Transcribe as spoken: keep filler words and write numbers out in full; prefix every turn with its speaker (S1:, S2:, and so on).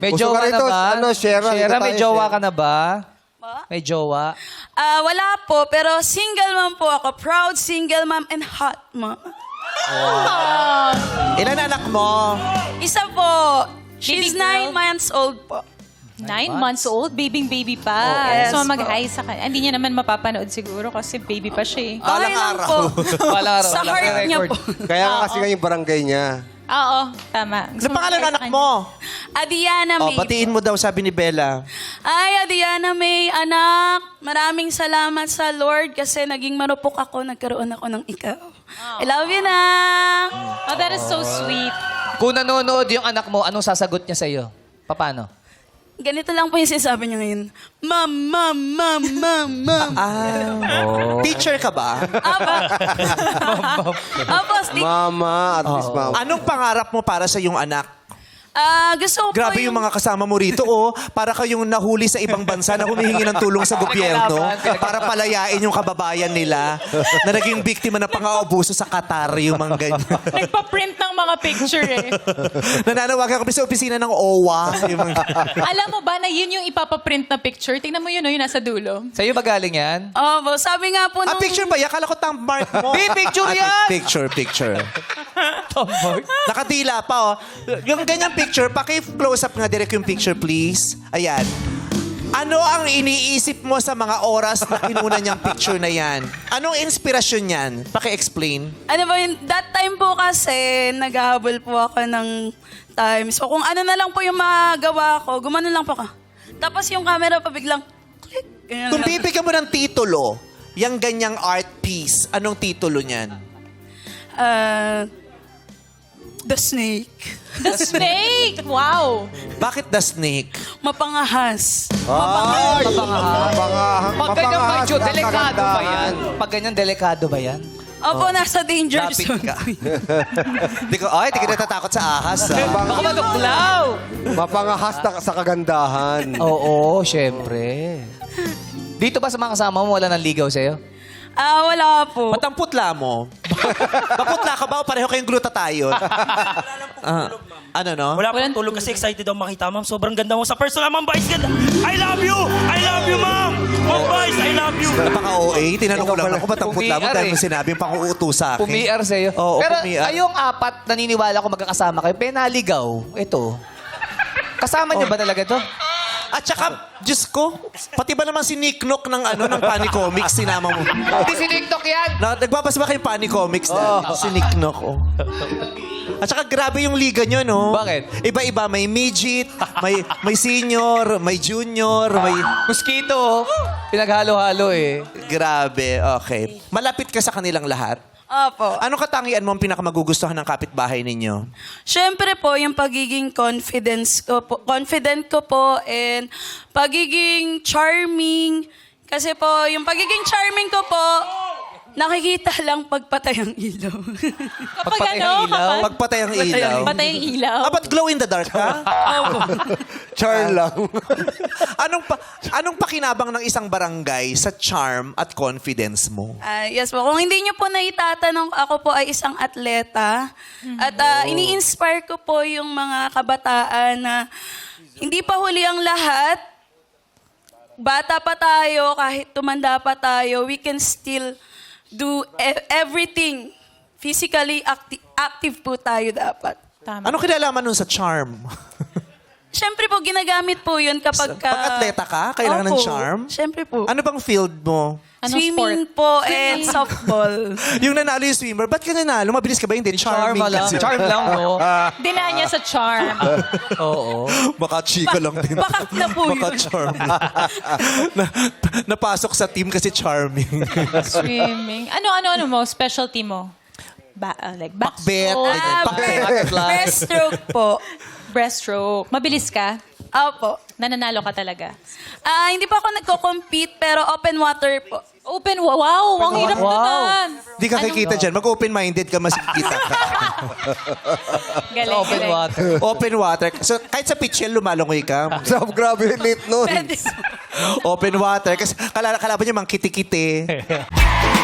S1: May
S2: Gusto
S1: jowa
S2: ka
S1: na
S2: rito,
S1: ba?
S2: ano, Shera, dito
S1: may
S2: tayo,
S1: jowa
S2: Shera.
S1: ka na ba?
S3: Ma?
S1: May jowa?
S3: Ah, wala po, pero single mom po ako. Proud single mom and hot mom.
S4: Ilan anak mo?
S3: Isa po. She's
S5: Baby girl?
S3: nine months old po.
S5: Nine months old, babying-baby pa.
S3: Oh, yes
S5: so,
S3: po.
S5: mag-hi sa kanya. Hindi niya naman mapapanood siguro kasi baby pa siya eh.
S3: Okay
S4: Balang
S3: lang
S4: araw.
S3: po.
S1: Wala araw.
S3: Sa
S1: wala
S3: heart
S1: kang
S3: niya
S1: record.
S3: po.
S2: Kaya nga kasi nga yung barangay niya.
S5: Oo, tama. Gusto
S4: Ano pangalan ng
S5: mag-hi sa
S4: anak
S5: kanya.
S4: mo?
S3: Adiana
S4: Oh,
S3: May.
S4: batiin mo daw, sabi ni Bella.
S3: Ay, Adiana May, anak. Maraming salamat sa Lord kasi naging marupok ako, nagkaroon ako ng ikaw. I love you na.
S5: Oh, that is so sweet.
S1: Kung nanonood yung anak mo, anong sasagot niya sa'yo? Paano?
S3: Ganito lang po yung sinasabi niya ngayon. Ma'am, ma'am, ma'am, ma'am, ma'am.
S4: Ah, teacher ka ba?
S3: Apo. Apo, sti-
S2: Mama, at least mama.
S4: Anong pangarap mo para sa iyong anak?
S3: Ah, gusto ko po
S4: Grabe yung mga kasama mo rito, oh. Para kayong nahuli sa ibang bansa na humihingi ng tulong sa gobyerno para palayain yung kababayan nila na naging biktima ng pang-aabuso sa Qatar, yung mga ganyan.
S5: Nagpa-print ng mga picture eh.
S4: Nananawagan kami sa opisina ng O W A. Yung mga...
S5: Alam mo ba na yun yung ipapaprint na picture? Tingnan mo yun, oh, yung nasa dulo.
S1: Sa'yo ba galing yan?
S3: Opo, sabi nga po
S4: Ah,
S3: nung...
S4: picture ba? Yakala ko tang mark mo.
S1: Di, picture
S4: Ah,
S1: yan!
S4: Picture, picture. Nakadila pa, oh. Yung ganyang picture, paki-close up nga direct yung picture, please. Ayan. Ano ang iniisip mo sa mga oras na kinuna niyang picture na yan? Anong inspirasyon yan? Paki-explain.
S3: Ano ba yun? That time po kasi, naghahabol po ako ng time. So kung ano na lang po yung magawa ko, gumano lang po ka. Tapos yung camera pa biglang, click. Ganyan
S4: Kung
S3: lang.
S4: bibigyan mo ng titulo, yung ganyang art piece, anong titulo niyan?
S3: Ah, The Snake.
S5: The snake! Wow!
S4: Bakit the snake?
S3: Mapangahas.
S2: Ay! Mapangahang.
S1: Pag ganyan ba
S2: mapangahas
S1: yun,
S2: ang
S1: delikado ba
S2: kagandahan.
S1: yan? Pag ganyan, delikado ba yan?
S3: Opo, nasa danger
S4: Lapit
S3: zone.
S4: ka. Di ko, ay, di ka natatakot sa ahas, ah.
S1: Baka maduklaw!
S2: Mapangahas na sa kagandahan.
S1: Oo, syempre. Dito ba sa mga kasama mo, wala nang ligaw sa'yo?
S3: Ah, wala po.
S4: Ba't ang putla mo? Bakutla ka ba o pareho kayong glutathione? Ah, ano no?
S6: Wala
S5: Walang
S6: pang tulog kasi excited ako makita, ma'am. Sobrang ganda mo sa personal, ma'am Vice. Ganda. I love you! I love you, ma'am! Ma'am Vice, I love you!
S4: Napaka-O A. Tinanong ko lang ako, ba't ang putla mo
S1: Pumi-ar
S4: dahil
S1: eh.
S4: mo sinabi yung pang-uuto sa akin?
S1: Pumi-ar sa'yo.
S4: Oo,
S1: Pero
S4: pumi-ar.
S1: kayong apat, naniniwala ko magkakasama kayo, penaligaw. Ito. Kasama niyo ba talaga to?
S4: At saka, Diyos ko, pati ba naman si Nick Nock ng ano, ng Funny Comics, sinama mo?
S1: Hindi si TikTok yan!
S4: Na, nagbabasa ba kayo Funny Comics na? Si Nick Nock, oh. At saka grabe yung liga nyo, no?
S1: Bakit?
S4: Iba-iba. May midget, may, may senior, may junior, may...
S1: Mosquito. Pinaghalo-halo eh.
S4: Grabe, okay. Malapit ka sa kanilang lahat.
S3: Opo.
S4: Anong katangian mo ang pinakamagugustuhan ng kapitbahay ninyo?
S3: Siyempre po, yung pagiging confidence ko po, confident ko po, and pagiging charming. Kasi po, yung pagiging charming ko po, nakikita lang pagpatay ang ilaw.
S5: Kapag
S1: Pagpatay
S5: ano,
S1: ang ilaw?
S5: kapag
S4: Pagpatay ang ilaw.
S5: patay ang ilaw.
S4: Ah, ba't glow in the dark ka?
S2: Char lang.
S4: anong pa, anong pakinabang ng isang barangay sa charm at confidence mo?
S3: Ah, yes po. Kung hindi niyo po naitatanong, ako po ay isang atleta. At ah, ini-inspire ko po yung mga kabataan na hindi pa huli ang lahat. Bata pa tayo, kahit tumanda pa tayo, we can still do e- everything. Physically acti- active po tayo dapat.
S5: Tama.
S4: Anong kinalaman nun sa charm?
S3: Siyempre po, ginagamit po yun kapag ka...
S4: Pag atleta ka, kailangan ng
S3: Opo,
S4: charm?
S3: Siyempre po.
S4: Ano bang field mo?
S5: Anong
S3: Swimming
S5: sport?
S3: po and softball.
S4: Yung nanalo yung swimmer, ba't ka nanalo? Mabilis ka ba? Hindi,
S1: Charm
S4: charming
S1: lang.
S4: kasi.
S1: Charm lang, no?
S5: Dinaan niya sa charm.
S1: Oo.
S4: Baka chika lang din.
S3: Bakak na po
S4: Baka
S3: yun.
S4: charming. na, napasok sa team kasi charming.
S5: Swimming. Ano, ano, ano mo? Specialty mo? Ba uh, like
S4: Pakbet.
S5: backstroke,
S3: Ah,
S4: Pakbet.
S3: breaststroke po.
S5: breaststroke. Mabilis ka?
S3: Opo.
S5: Nananalo ka talaga?
S3: Ah, hindi pa ako nagko-compete pero open water po.
S5: Open, wa- wow! Ang hirap
S1: Wow.
S5: naman.
S4: Di ka kikita dyan. Mag-open-minded ka, mas kita ka.
S5: Galing,
S1: Open
S5: galing.
S1: water.
S4: Open water. So, kahit sa pitchel, lumalangoy ka.
S2: So, grabe yung late nun.
S3: Pwede.
S4: Open water. Kasi kala kalaban niya mang kiti-kiti.